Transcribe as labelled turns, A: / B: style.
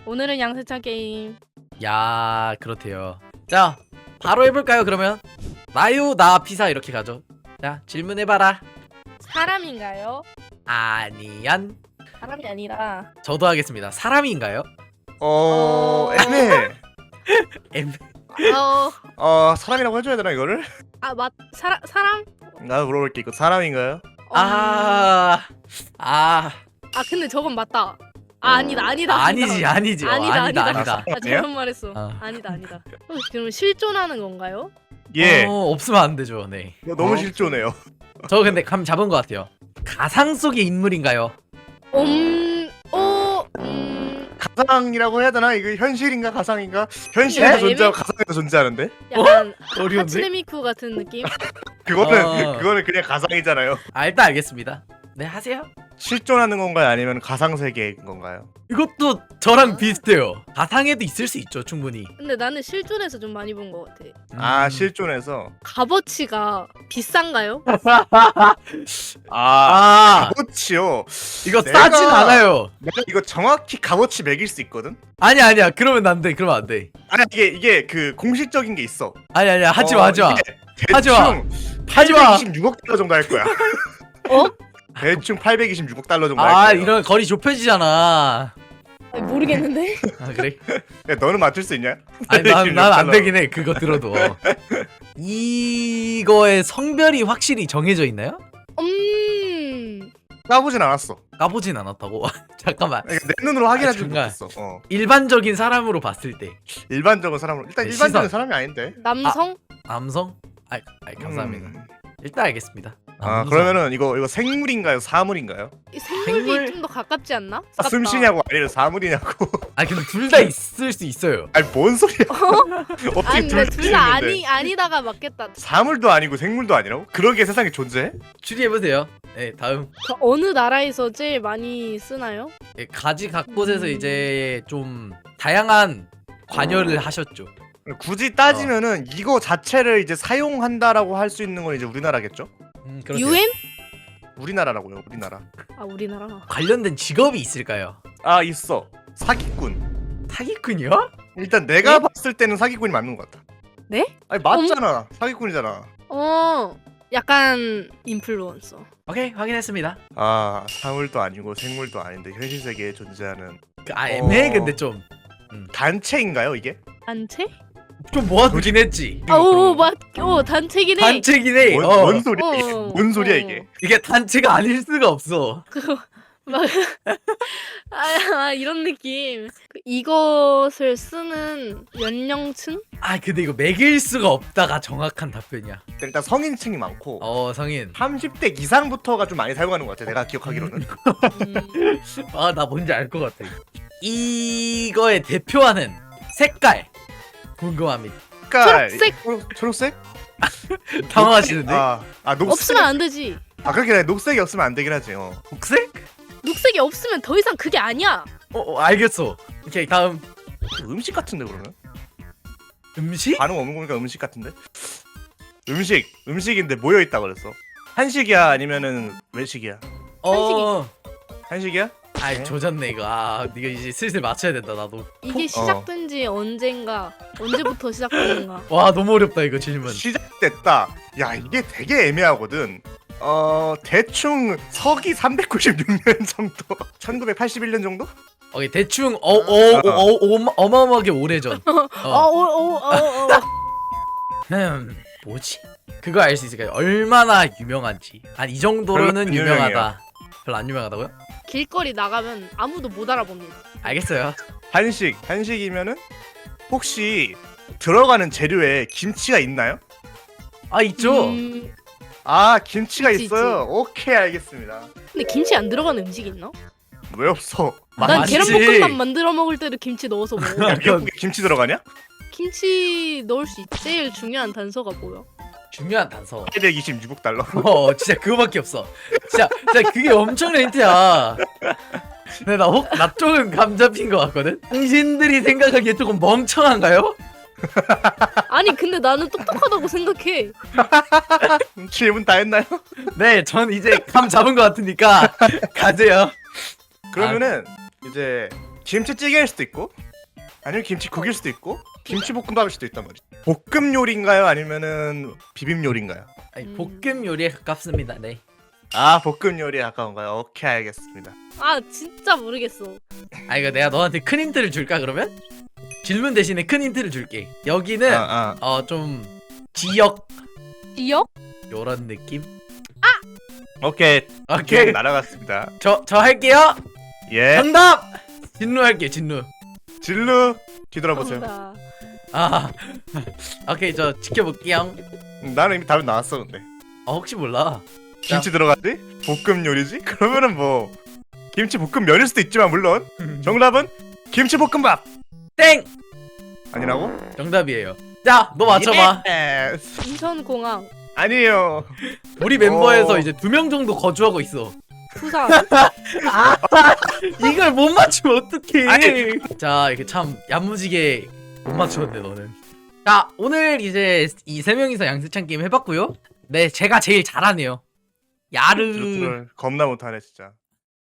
A: 오늘은 양세찬 게임.
B: 야, 그렇대요. 자, 바로 해볼까요? 그러면 나유 나 피사 이렇게 가죠. 자, 질문해봐라.
A: 사람인가요?
B: 아니얀.
A: 사람이 아니라.
B: 저도 하겠습니다. 사람인가요?
C: 애매해.
A: 사람이라고
C: 해줘야 되나 이거를?
A: 사람?
C: 나도 물어볼게. 이거 사람인가요?
B: 아,
A: 근데 저건 맞다. 아니다.
B: 아니지.
A: 아니다.
C: 아니야?
A: 잘못 말했어. 아니다. 그럼 실존하는 건가요?
C: 예.
B: 없으면 안 되죠. 네.
C: 이거 너무 실존해요.
B: 저 근데 감 잡은 것 같아요. 가상 속의 인물인가요?
C: 가상이라고 해야 되나? 이거 현실인가 가상인가? 현실에서 존재하고 가상에서 존재하는데?
A: 약간
B: 어려운데?
A: 하츠네미쿠 같은 느낌?
C: 그거는 그냥 가상이잖아요.
B: 일단 알겠습니다. 네, 하세요.
C: 실존하는 건가요? 아니면 가상 세계인 건가요?
B: 이것도 저랑 비슷해요. 가상에도 있을 수 있죠, 충분히.
A: 근데 나는 실존에서 좀 많이 본 것 같아.
C: 실존해서.
A: 값어치가 비싼가요?
C: 값어치요.
B: 이거 싸진 않아요.
C: 내가 이거 정확히 값어치 매길 수 있거든?
B: 아니야. 그러면 안 돼.
C: 아니 이게 그 공식적인 게 있어.
B: 아니야. 하지 마.
C: 이게
B: 하지 마.
C: 대충
B: 하지 마.
C: 826억 달러 정도 할 거야. 대충 826억 달러 정도 할 거야.
B: 이런 거리 좁혀지잖아.
A: 모르겠는데?
B: 그래?
C: 야, 너는 맞출 수 있냐?
B: 아니 난 안 되긴 해. 그거 들어도. 이거의 성별이 확실히 정해져 있나요?
C: 까보진 않았어.
B: 까보진 않았다고? 잠깐만.
C: 그러니까 내 눈으로 확인하지
B: 중간.
C: 못했어.
B: 일반적인 사람으로 봤을 때
C: 일반적인 사람으로 일단
B: 시선.
C: 일반적인 사람이 아닌데.
A: 남성?
B: 남성? 감사합니다. 일단 알겠습니다. 남성.
C: 그러면은 이거 생물인가요? 사물인가요?
A: 생물이
B: 생물?
A: 좀 더 가깝지 않나?
C: 숨쉬냐고 아니면 사물이냐고.
B: 근데 둘 다 있을 수 있어요.
C: 아니 뭔 소리야? 어떻게
A: 아니 근데 둘 다
C: 있는데?
A: 아니다가 맞겠다.
C: 사물도 아니고 생물도 아니라고? 그런 게 세상에 존재해?
B: 추리해보세요. 네, 다음.
A: 어느 나라에서 제일 많이 쓰나요?
B: 가지 각곳에서 이제 좀 다양한 관여를 하셨죠.
C: 굳이 따지면은 이거 자체를 이제 사용한다라고 할 수 있는 건 이제 우리나라겠죠?
B: 그렇대요.
A: UN?
C: 우리나라라고요, 우리나라.
A: 우리나라.
B: 관련된 직업이 있을까요?
C: 있어. 사기꾼.
B: 사기꾼이요?
C: 일단 내가
A: 네?
C: 봤을 때는 사기꾼이 맞는 것 같아.
A: 네?
C: 아니 맞잖아. 사기꾼이잖아.
A: 약간 인플루언서.
B: 오케이, 확인했습니다.
C: 사물도 아니고 생물도 아닌데 현실 세계에 존재하는
B: 애매해. 근데 좀
C: 단체인가요, 이게?
A: 단체?
B: 모아두긴 했지.
A: 단체긴 해.
B: 단체긴 해.
C: 뭔 소리야 이게?
A: 어,
C: 뭔 소리야
A: 어.
C: 이게?
B: 이게 단체가 아닐 수가 없어.
A: 이런 느낌. 이것을 쓰는 연령층?
C: 그
B: 근데 이거 매길 수가 없다가 정확한 답변이야.
C: 일단 성인층이 많고
B: 성인.
C: 30대 이상부터가 좀 많이 사용하는 것 같아. 내가 기억하기로는.
B: 나 뭔지 알 것 같아. 이거의 대표하는 색깔 궁금합니다.
C: 색깔.
A: 초록색?
C: 초록색?
B: 당황하시는데?
C: 녹색.
A: 없으면 안 되지.
C: 그렇게 녹색이 없으면 안 되긴 하지.
B: 녹색?
A: 녹색이 없으면 더 이상 그게 아니야.
B: 알겠어. 오케이, 다음.
C: 음식 같은데 그러면?
B: 음식?
C: 반응 없는 거니까 음식 같은데? 음식인데 모여 있다 그랬어. 한식이야 아니면은 외식이야? 한식이야?
B: 조졌네 이거. 네가 이제 슬슬 맞춰야 된다 나도.
A: 이게 시작된 지 언제부터 시작됐는가?
B: 와, 너무 어렵다 이거 질문.
C: 시작됐다. 야, 이게 되게 애매하거든. 대충 서기 396년 정도? 1981년 정도?
B: 오케이, 대충 어마어마하게 오래전. 뭐지? 그거 알 수 있을까요? 얼마나 유명한지. 이 정도로는
C: 별로 안
B: 유명하다.
C: 유명해요.
B: 별로 안 유명하다고요?
A: 길거리 나가면 아무도 못 알아봅니다.
B: 알겠어요.
C: 한식이면은 혹시 들어가는 재료에 김치가 있나요?
B: 있죠.
C: 김치가
A: 있지,
C: 있어요. 오케이, 알겠습니다.
A: 근데 김치 안 들어가는 음식 있나?
C: 왜 없어?
A: 난
B: 맞지.
A: 계란볶음밥 만들어 먹을 때도 김치 넣어서 먹어.
C: 미역국에 김치 들어가냐?
A: 김치 넣을 수 있지. 제일 중요한 단서가 뭐야?
B: 중요한 단서.
C: 826억 달러.
B: 진짜 그거밖에 없어. 진짜 그게 엄청난 힌트야. 근데 나 조금 감 잡힌 것 같거든? 당신들이 생각하기에 조금 멍청한가요?
A: 아니 근데 나는 똑똑하다고 생각해.
C: 질문 다 했나요?
B: 네, 전 이제 감 잡은 것 같으니까 가세요.
C: 그러면은 이제 김치찌개일 수도 있고 아니면 김치국일 수도 있고 김치볶음밥일 수도 있단 말이지. 볶음 요리인가요? 아니면은 비빔 요리인가요?
B: 아니, 볶음 요리에 가깝습니다. 네.
C: 아 볶음 요리에 가까운가요? 오케이 알겠습니다.
A: 아 진짜 모르겠어.
B: 아 이거 내가 너한테 큰 힌트를 줄까 그러면? 질문 대신에 큰 힌트를 줄게. 여기는 좀 지역
A: 지역?
B: 요런 느낌?
C: 오케이
B: 오케이.
C: 날아갔습니다.
B: 저 할게요.
C: 예
B: 정답. 진루 할게 진루.
C: 진루 뒤돌아보세요.
A: 정답.
B: 아 오케이 저 지켜볼게요.
C: 나는 이미 답이 나왔어 근데.
B: 혹시 몰라.
C: 김치 들어갔지? 볶음 요리지? 그러면은 뭐 김치 볶음면일 수도 있지만 물론 정답은 김치 볶음밥
B: 땡.
C: 아니라고?
B: 정답이에요. 자 너 맞춰봐.
C: 예스.
A: 인천공항.
C: 아니에요.
B: 우리 멤버에서
C: 어.
B: 이제 2명 정도 거주하고 있어.
A: 부산.
B: 이걸 못 맞추면 어떡해.
C: 아니.
B: 자 이렇게 참 야무지게 못 맞추었네 너는. 자 오늘 이제 이 3명이서 양세찬 게임 해봤고요. 네 제가 제일 잘하네요. 야르.
C: 드루트를 겁나 못하네 진짜.